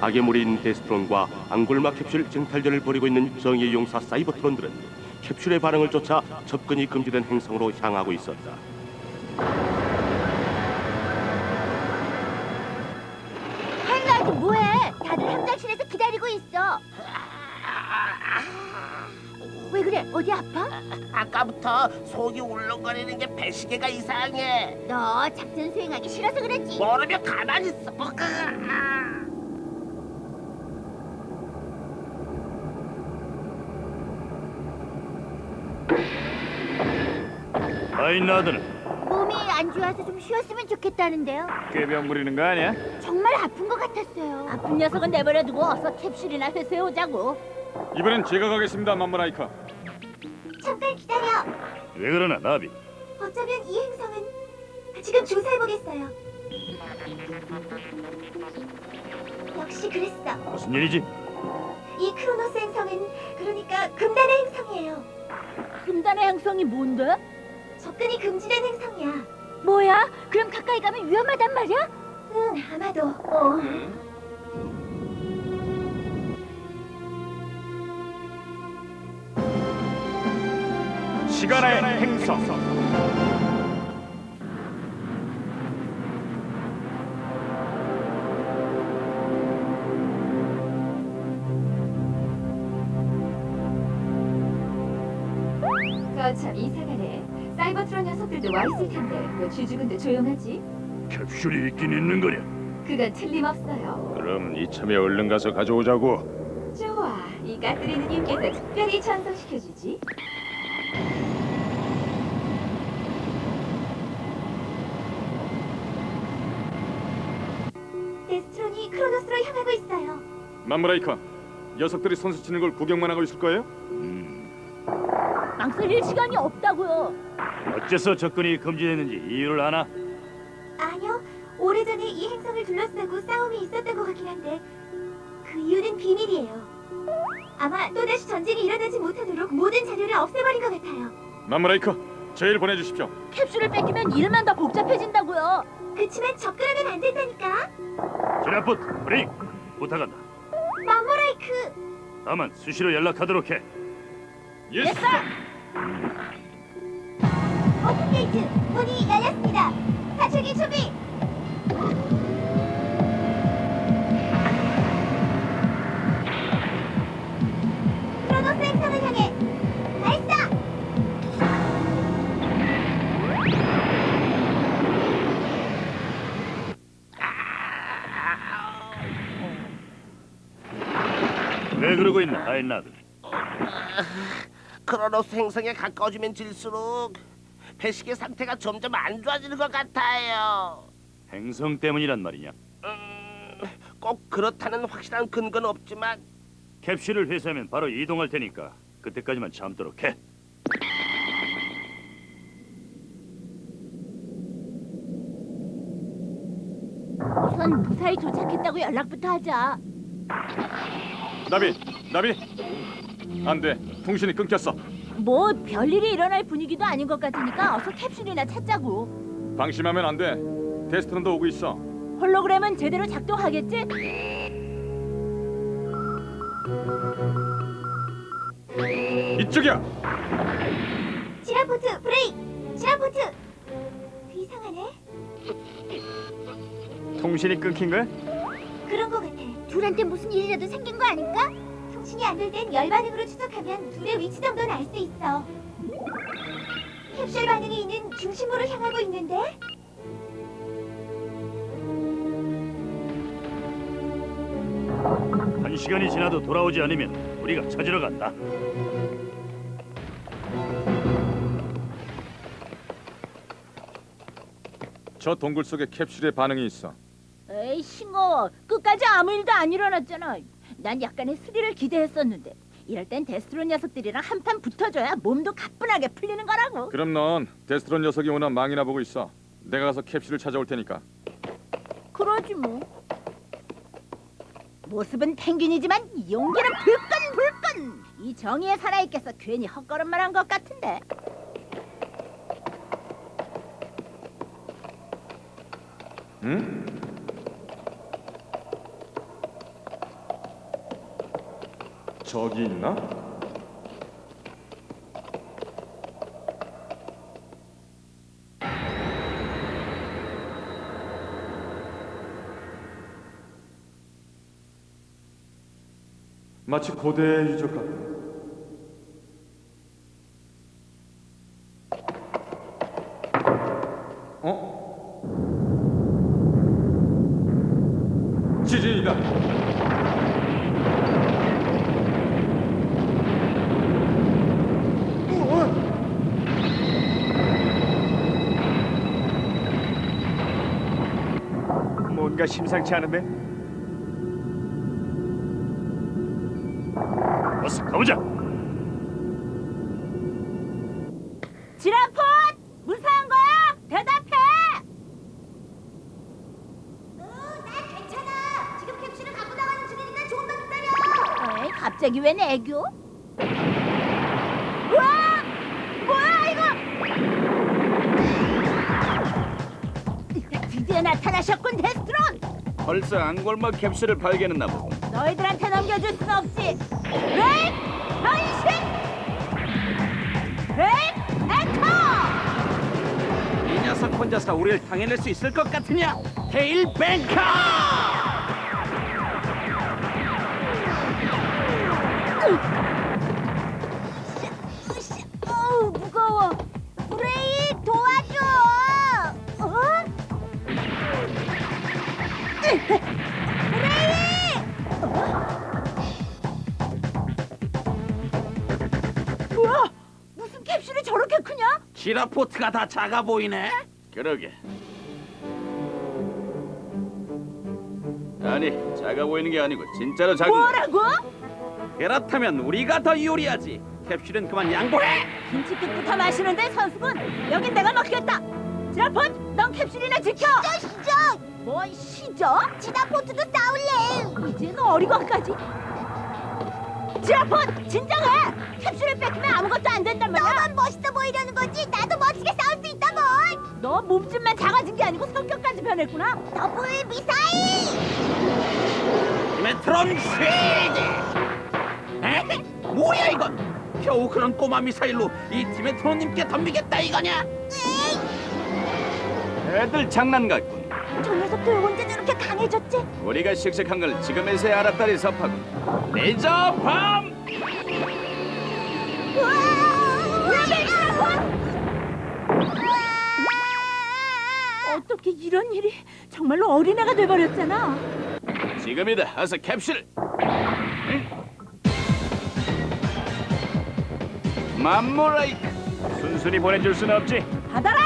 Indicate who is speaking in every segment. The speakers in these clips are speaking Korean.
Speaker 1: 파괴물인 데스트론과 앙골마 캡슐 쟁탈전을 벌이고 있는 정의의 용사 사이버트론들은 캡슐의 반응을 쫓아 접근이 금지된 행성으로 향하고 있었다.
Speaker 2: 할라이트 뭐해? 다들 함장실에서 기다리고 있어. 왜 그래? 어디 아파?
Speaker 3: 아까부터 속이 울렁거리는 게 배시계가 이상해.
Speaker 2: 너 작전 수행하기 싫어서 그랬지.
Speaker 3: 모르면 가만히 있어.
Speaker 4: 아인나드는
Speaker 2: 몸이 안 좋아서 좀 쉬었으면 좋겠다는데요.
Speaker 4: 꾀병 부리는 거 아니야?
Speaker 2: 정말 아픈 것 같았어요. 아픈 녀석은 내버려두고 어서 캡슐이나 회수해 오자고.
Speaker 5: 이번엔 제가 가겠습니다, 맘모라이카.
Speaker 2: 잠깐 기다려.
Speaker 4: 왜 그러나 나비?
Speaker 2: 어쩌면 이 행성은 지금 조사해보겠어요. 역시 그랬어.
Speaker 4: 무슨 일이지?
Speaker 2: 이 크로노스 행성은 그러니까 금단의 행성이에요. 금단의 행성이 뭔데? 접근이 금지된 행성이야. 뭐야? 그럼 가까이 가면 위험하단 말이야? 응, 아마도.
Speaker 4: 시간의 행성.
Speaker 6: 참 이상하네. 사이버트론 녀석들도 와 있을 텐데 왜 쥐죽은데 조용하지?
Speaker 4: 캡슐이 있긴 있는 거냐?
Speaker 6: 그건 틀림없어요.
Speaker 5: 그럼 이참에 얼른 가서 가져오자고.
Speaker 6: 좋아, 이 까뜨리는 님께서 특별히 전송시켜주지.
Speaker 2: 데스트론이 크로노스로 향하고 있어요.
Speaker 5: 맘모라이카, 녀석들이 선수 치는 걸 구경만 하고 있을 거예요?
Speaker 2: 망설일 시간이 없다고요.
Speaker 4: 어째서 접근이 금지됐는지 이유를 아나?
Speaker 2: 아니요, 오래전에 이 행성을 둘러싸고 싸움이 있었던 것 같긴 한데 그 이유는 비밀이에요. 아마 또다시 전쟁이 일어나지 못하도록 모든 자료를 없애버린 것 같아요.
Speaker 5: 맘모라이카, 제일 보내주십시오.
Speaker 2: 캡슐을 뺏기면 일만 더 복잡해진다고요. 그치만 접근하면 안 된다니까.
Speaker 4: 지라풋, 브레이크 부탁한다.
Speaker 2: 맘모라이크.
Speaker 4: 다만 수시로 연락하도록 해.
Speaker 5: 예스!
Speaker 2: 오픈 게이트 문이 열렸습니다. 탈출기 준비. 크로노스 행성을 향해 발사.
Speaker 4: 왜 그러고 있나, 아인나드?
Speaker 3: 크로노스 행성에 가까워지면 질수록 배시계 상태가 점점 안 좋아지는 것 같아요.
Speaker 4: 행성 때문이란 말이냐?
Speaker 3: 꼭 그렇다는 확실한 근거는 없지만
Speaker 4: 캡슐을 회수하면 바로 이동할 테니까 그때까지만 참도록 해.
Speaker 2: 우선 무사히 도착했다고 연락부터 하자.
Speaker 5: 나비, 안 돼. 통신이 끊겼어.
Speaker 2: 뭐 별일이 일어날 분위기도 아닌 것 같으니까 어서 캡슐이나 찾자고.
Speaker 5: 방심하면 안 돼. 데스트론도 오고 있어.
Speaker 2: 홀로그램은 제대로 작동하겠지?
Speaker 5: 이쪽이야.
Speaker 2: 지라포트 브레이크! 지라포트! 이상하네?
Speaker 4: 통신이 끊긴 거야?
Speaker 2: 그런 것 같아. 둘한테 무슨 일이라도 생긴 거 아닐까? 통신이 안 될 땐 열 반응으로 추적하면 둘의 위치 정도는 알 수 있어. 캡슐 반응이 있는 중심부로 향하고 있는데?
Speaker 4: 한 시간이 지나도 돌아오지 않으면 우리가 찾으러 간다.
Speaker 5: 저 동굴 속에 캡슐의 반응이 있어.
Speaker 2: 에이 싱거워. 끝까지 아무 일도 안 일어났잖아. 난 약간의 스릴을 기대했었는데 이럴 땐 데스트론 녀석들이랑 한판 붙어줘야 몸도 가뿐하게 풀리는 거라고.
Speaker 5: 그럼 넌 데스트론 녀석이 오나 망이나 보고 있어. 내가 가서 캡슐을 찾아올 테니까.
Speaker 2: 그러지 뭐. 모습은 펭귄이지만 용기는 불끈불끈. 이 정의에 살아있겠어 괜히 헛걸음만 한 것 같은데.
Speaker 5: 응? 저기 있나? 마치 고대의 유적 같다. 어? 지진이다.
Speaker 7: 뭔가 심상치 않은데?
Speaker 4: 어서 가보자.
Speaker 2: 지라폰! 무사한 거야? 대답해! 나 괜찮아. 지금 캡슐을 갖고 나가는 중이니까 조금만 기다려. 에이, 갑자기 웬 애교? 우와! 뭐야 이거? 드디어 나타나셨군, 데스트론!
Speaker 7: 벌써 앙골막 캡슐을 발견했나 보고.
Speaker 2: 너희들한테 넘겨줄 순 없지. 레인! 변신! 레인! 에터!
Speaker 7: 이 녀석 혼자서 우리를 당해낼 수 있을 것 같으냐? 테일 뱅커!
Speaker 2: 어우, 무거워. 브레이 도와줘. 어? 브레이! 뭐야? 무슨 캡슐이 저렇게 크냐?
Speaker 7: 지라포트가 다 작아 보이네. 그러게. 아니, 작아 보이는 게 아니고 진짜로 작은.
Speaker 2: 뭐라고?
Speaker 7: 그렇다면 우리가 더 유리하지. 캡슐은 그만 양보해.
Speaker 2: 김치국부터 마시는데 선수군. 여긴 내가 맡겠다. 지라폰, 넌 캡슐이나 지켜. 시저. 뭘 시저? 지라포트도 싸울래. 이젠 어리광까지. 지라폰, 진정해. 캡슐을 뺏기면 아무것도 안 된단 말이야. 너만 멋있어 보이려는 거지. 나도 멋지게 싸울 수 있다고. 너 몸집만 작아진 게 아니고 성격까지 변했구나. 더블 미사일.
Speaker 7: 메트론 쉴드! 에? 뭐야 이건? 겨우 그런 꼬마 미사일로 이 디메트로님께 덤비겠다 이거냐? 애들 장난 같군.
Speaker 2: 저 녀석도 언제 저렇게 강해졌지?
Speaker 7: 우리가 씩씩한 걸 지금에서야 알았다니 섭하군. 레이저 밤!
Speaker 2: 어떻게 이런 일이? 정말로 어린애가 돼버렸잖아.
Speaker 7: 지금이다. 어서 캡슐. 맘모라이크.
Speaker 4: 순순히 보내줄 순 없지.
Speaker 2: 받아라!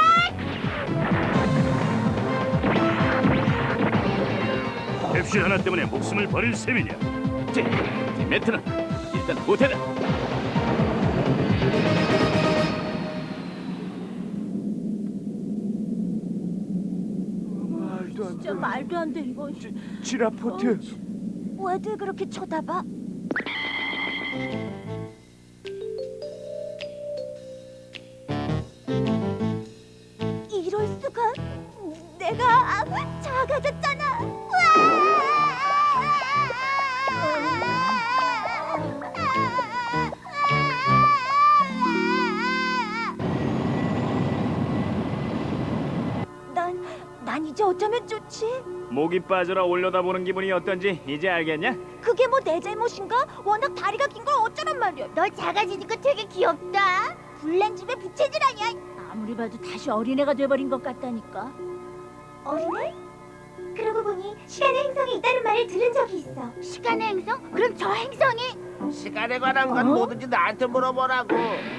Speaker 4: 캡슐 하나 때문에 목숨을 버릴 셈이냐?
Speaker 7: 디메트는 일단 후퇴다.
Speaker 2: 진짜 말도 안 돼 이거.
Speaker 7: 지라포트.
Speaker 2: 왜들 그렇게 쳐다봐? 이럴 수가? 내가 작아졌잖아. 난 이제 어쩌면 좋지?
Speaker 4: 목이 빠져라 올려다보는 기분이 어떤지 이제 알겠냐?
Speaker 2: 그게 뭐 내 잘못인가? 워낙 다리가 긴 걸 어쩌란 말이야. 너 작아지니까 되게 귀엽다. 불난 집에 부채질 아니야. 아무리 봐도 다시 어린애가 돼버린 것 같다니까. 어린애? 그러고 보니 시간의 행성이 있다는 말을 들은 적이 있어. 시간의 행성? 그럼 저 행성이?
Speaker 3: 시간에 관한 건 뭐든지 나한테 물어보라고.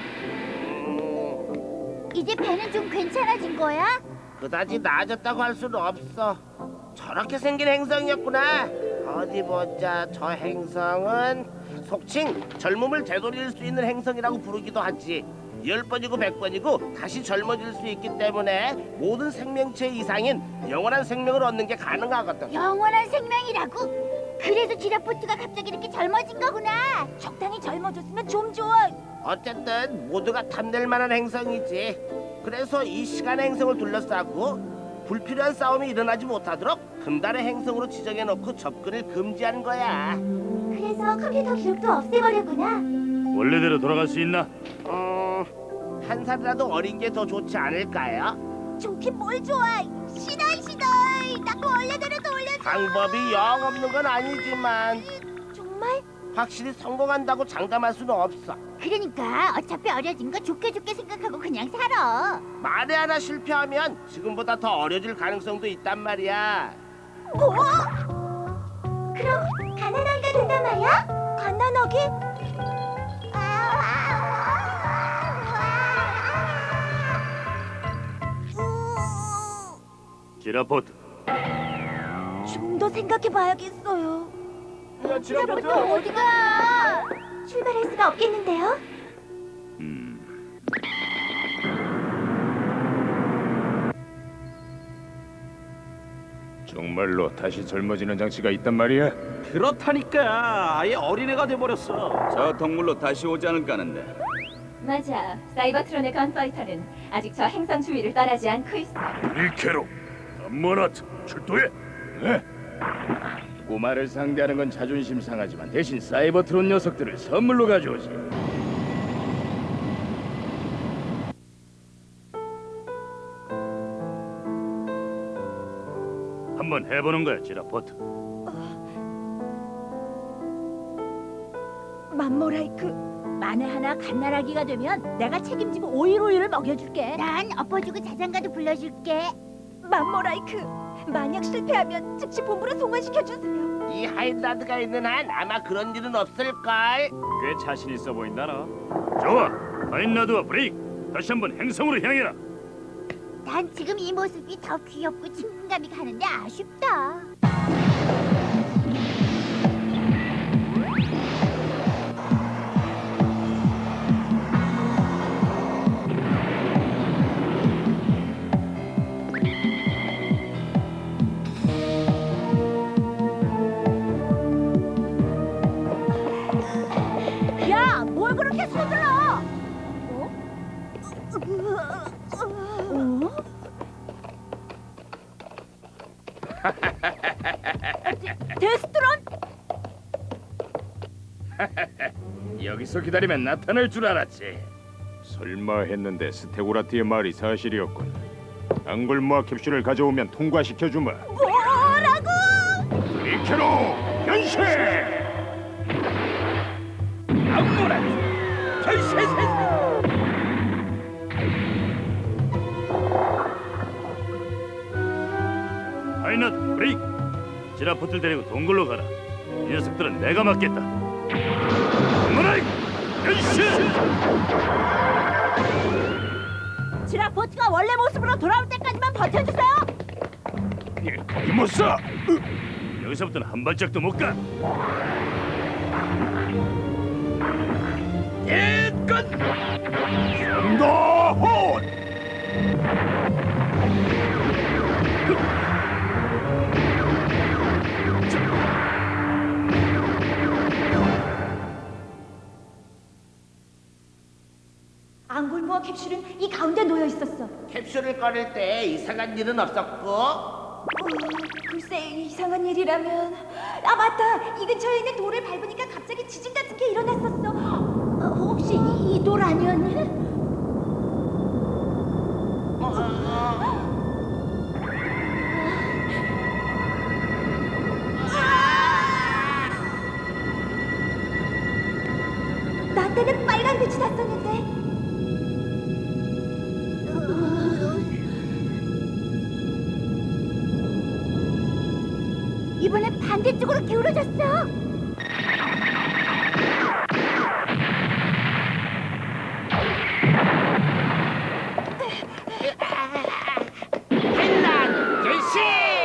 Speaker 2: 이제 배는 좀 괜찮아진 거야?
Speaker 3: 그다지 나아졌다고 할 수는 없어. 저렇게 생긴 행성이었구나. 어디 보자. 저 행성은 속칭 젊음을 되돌릴 수 있는 행성이라고 부르기도 하지. 10번이고 100번이고 다시 젊어질 수 있기 때문에 모든 생명체 이상인 영원한 생명을 얻는 게 가능하거든.
Speaker 2: 영원한 생명이라고? 그래서 지라포트가 갑자기 이렇게 젊어진 거구나. 적당히 젊어졌으면 좀 좋아.
Speaker 3: 어쨌든 모두가 탐낼 만한 행성이지. 그래서 이 시간의 행성을 둘러싸고 불필요한 싸움이 일어나지 못하도록 금단의 행성으로 지정해놓고 접근을 금지한 거야.
Speaker 2: 그래서 그래서 컴퓨터 기록도 없애버렸구나.
Speaker 4: 원래대로 돌아갈 수 있나?
Speaker 3: 한 살이라도 어린 게 더 좋지 않을까요?
Speaker 2: 좋긴 뭘 좋아. 시다이. 나 원래대로 돌려줘.
Speaker 3: 방법이 영 없는 건 아니지만
Speaker 2: 정말?
Speaker 3: 확실히 성공한다고 장담할 수는 없어.
Speaker 2: 그러니까 어차피 어려진 거 좋게 생각하고 그냥 살아.
Speaker 3: 만에 하나 실패하면 지금보다 더 어려질 가능성도 있단 말이야.
Speaker 2: 뭐? 그럼 가난하기가 된단 말이야? 가난하기?
Speaker 4: 지라포트,
Speaker 2: 좀 더 생각해봐야겠어요. 야, 지라포트 어디가? 출발할 수가 없겠는데요?
Speaker 5: 정말로 다시 젊어지는 장치가 있단 말이야?
Speaker 7: 그렇다니까 아예 어린애가 돼버렸어.
Speaker 8: 저 동물로 다시 오지 않을까 하는데.
Speaker 6: 맞아. 사이버트론의 건파이터는 아직 저 행성 주위를 떠나지 않고 있어.
Speaker 4: 리케로, 암모나트, 출동해.
Speaker 8: 네. 꼬마를 상대하는 건 자존심 상하지만 대신 사이버트론 녀석들을 선물로 가져오지.
Speaker 4: 한번 해보는 거야, 지라포트.
Speaker 2: 맘모라이크, 만에 하나 갓나라기가 되면 내가 책임지고 오이를 먹여줄게. 난 엎어주고 자장가도 불러줄게. 맘모라이크, 만약 실패하면 즉시 본부로 송환시켜주세요.
Speaker 3: 이 하인라드가 있는 한 아마 그런 일은 없을걸.
Speaker 5: 꽤 자신 있어 보인다 너.
Speaker 4: 좋아, 하인라드와 브레이크, 다시 한번 행성으로 향해라.
Speaker 2: 난 지금 이 모습이 더 귀엽고 친근감이 가는데 아쉽다. 야, 뭘 그렇게 서둘러? 데스트론?
Speaker 8: 여기서 기다리면 나타날 줄 알았지.
Speaker 5: 설마 했는데 스테고라트의 말이 사실이었군. 앙골모아 캡슐을 가져오면 통과시켜주마.
Speaker 2: 뭐라고?
Speaker 5: 리케로 변신!
Speaker 8: 암모나트 결세세.
Speaker 4: 하인라드, 브레이크, 지라포트를 데리고 동굴로 가라. 이 녀석들은 내가 맡겠다. 암모나이크, 변신!
Speaker 2: 지라포트가 원래 모습으로 돌아올 때까지만 버텨주세요.
Speaker 5: 거기 못 써.
Speaker 4: 여기서부터는 한 발짝도 못 가.
Speaker 5: 응도혼!
Speaker 2: 앙골모아 캡슐은 이 가운데 놓여 있었어.
Speaker 3: 캡슐을 꺼낼 때 이상한 일은 없었고.
Speaker 2: 글쎄, 이상한 일이라면. 아, 맞다. 이 근처에 있는 돌을 밟으니까 갑자기 지진 같은 게 일어났었어. 혹시 이 돌 아니었니? 나 때는 빨간 빛이 났었는데. 이번엔 반대쪽으로 기울어졌어.
Speaker 3: 하인라드 결신!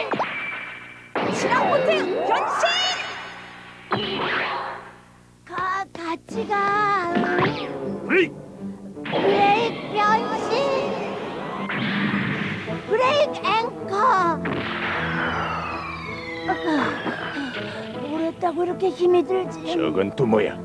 Speaker 2: 지라포트 변신! 같이 가.
Speaker 4: 브레이크,
Speaker 2: 브레이크 변신. 브레이크 앵커. 뭘 했다고 이렇게 힘이 들지?
Speaker 5: 저건 또 뭐야?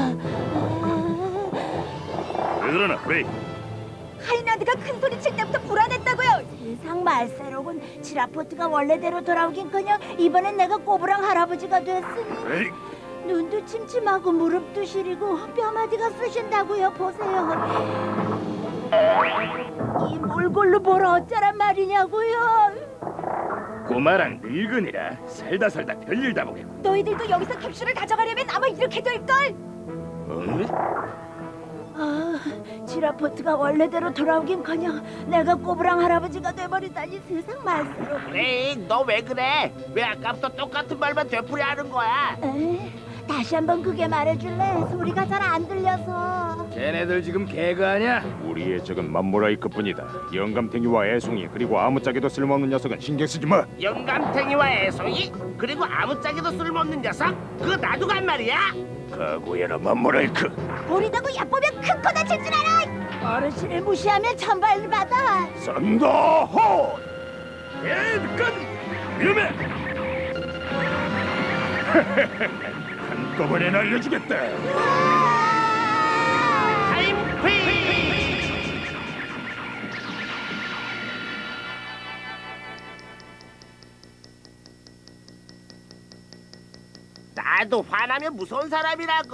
Speaker 4: 왜 그러나, 브레이크?
Speaker 2: 하이나드가 큰 소리 칠 때부터 불안했다고요. 세상 말세로군. 지라포트가 원래대로 돌아오긴커녕 이번엔 내가 꼬부랑 할아버지가 됐으니.
Speaker 4: 브레이크,
Speaker 2: 눈도 침침하고 무릎도 시리고 뼈마디가 쑤신다고요. 보세요. 이 몰골로 뭘 어쩌란 말이냐고요.
Speaker 8: 꼬마랑 늙은이라 살다 별일 다 보겠고.
Speaker 2: 너희들도 여기서 캡슐을 가져가려면 아마 이렇게 될걸. 아, 지라포트가 원래대로 돌아오긴커녕 내가 꼬부랑 할아버지가 돼버리다니 세상 말수로.
Speaker 3: 그래, 너 왜 그래? 왜 아까부터 똑같은 말만 되풀이하는 거야?
Speaker 2: 다시 한번 그게 말해줄래? 소리가 잘 안 들려서.
Speaker 8: 쟤네들 지금 개그하냐?
Speaker 5: 우리의 적은 맘모라이크뿐이다. 영감탱이와 애송이 그리고 아무짝에도 쓸모없는 녀석은 신경 쓰지 마.
Speaker 3: 영감탱이와 애송이 그리고 아무짝에도 쓸모없는 녀석? 그거 나도 간 말이야?
Speaker 8: 각오해라 맘모라이크.
Speaker 2: 버리다고 얕보면 큰 코 다칠 줄 알아. 어르신을 무시하면 천벌 받아.
Speaker 8: 썬더호! 예끝 위험해. 한꺼번에 날려주겠다.
Speaker 3: 타임 퀴즈! 나도 화나면 무서운 사람이라고.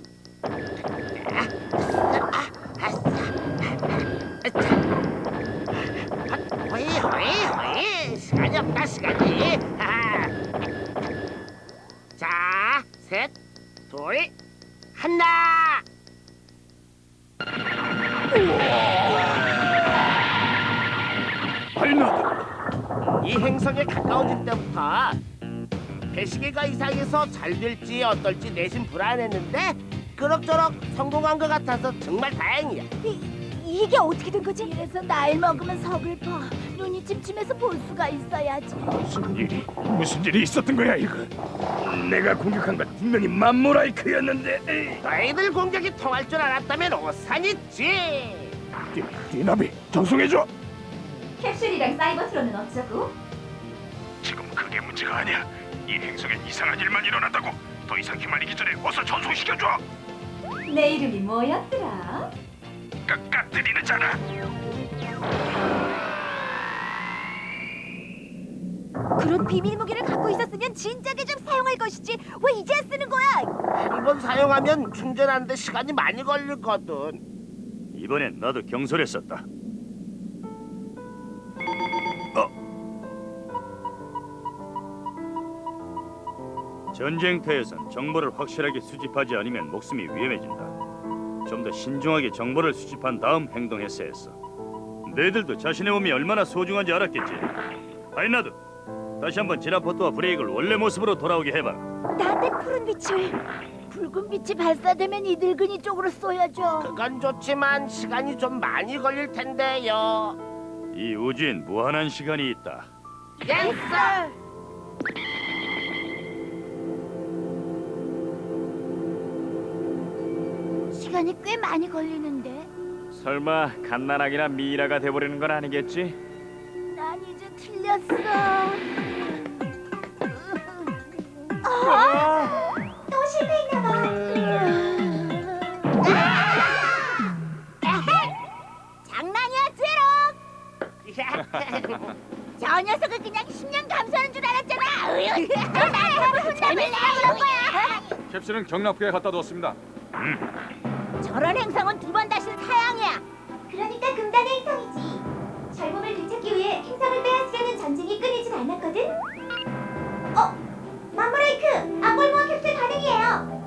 Speaker 3: 호이 시간이 없다 시간이. 자, 셋, 둘, 하나.
Speaker 8: 발나드.
Speaker 3: 이 행성에 가까워질 때부터 배시계가 이상해서 잘 될지 어떨지 내심 불안했는데 그럭저럭 성공한 것 같아서 정말 다행이야.
Speaker 2: 이게 어떻게 된 거지? 이래서 나이 먹으면 서글퍼. 눈이 침침해서 볼 수가 있어야지.
Speaker 8: 무슨 일이 있었던 거야 이거? 내가 공격한 건 분명히 맘모라이크였는데.
Speaker 3: 너희들 공격이 통할 줄 알았다면 오산이지.
Speaker 8: 디나비 전송해줘.
Speaker 6: 캡슐이랑 사이버트론은 어쩌고?
Speaker 8: 지금 그게 문제가 아니야. 이 행성엔 이상한 일만 일어난다고. 더 이상 휘말리기 전에 어서 전송시켜줘.
Speaker 6: 내 이름이 뭐였더라?
Speaker 8: 까까뜨리는잖아.
Speaker 2: 그런 비밀 무기를 갖고 있었으면 진작에 좀 사용할 것이지. 왜 이제 쓰는 거야?
Speaker 3: 한 번 사용하면 충전하는데 시간이 많이 걸리거든.
Speaker 4: 이번엔 나도 경솔했었다. 전쟁터에선 정보를 확실하게 수집하지 않으면 목숨이 위험해진다. 좀 더 신중하게 정보를 수집한 다음 행동했어야 했어. 너희들도 자신의 몸이 얼마나 소중한지 알았겠지. 아이나도 다시 한번 지라포트와 브레이크를 원래 모습으로 돌아오게 해봐라.
Speaker 2: 나한테 푸른 빛을. 붉은 빛이 발사되면 이 늙은이 쪽으로 쏘여줘.
Speaker 3: 그건 좋지만 시간이 좀 많이 걸릴 텐데요.
Speaker 4: 이 우주엔 무한한 시간이 있다.
Speaker 3: 예스!
Speaker 2: 시간이 꽤 많이 걸리는데.
Speaker 5: 설마 갓난아기나 미이라가 돼버리는 건 아니겠지?
Speaker 2: 난 이제 틀렸어. 또 실패했나봐. 장난이야, 제로. 저 녀석을 그냥 10년 감수하는 줄 알았잖아. 나를 혼나면 그런 거야.
Speaker 5: 캡슐은 경납구에 갖다 뒀습니다.
Speaker 2: 저런 행성은 두 번 다신 사양이야.
Speaker 9: 그러니까 금단의 행성이지. 젊음을 되찾기 위해 행성을 빼앗으려는 전쟁이 끊이질 않았거든. 맘모라이크, 앙골모아 캡슐 가능이에요.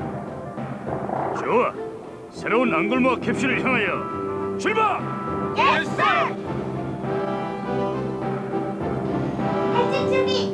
Speaker 4: 좋아. 새로운 앙골모아 캡슐을 향하여 출발!
Speaker 2: 예스!
Speaker 9: 발진 준비.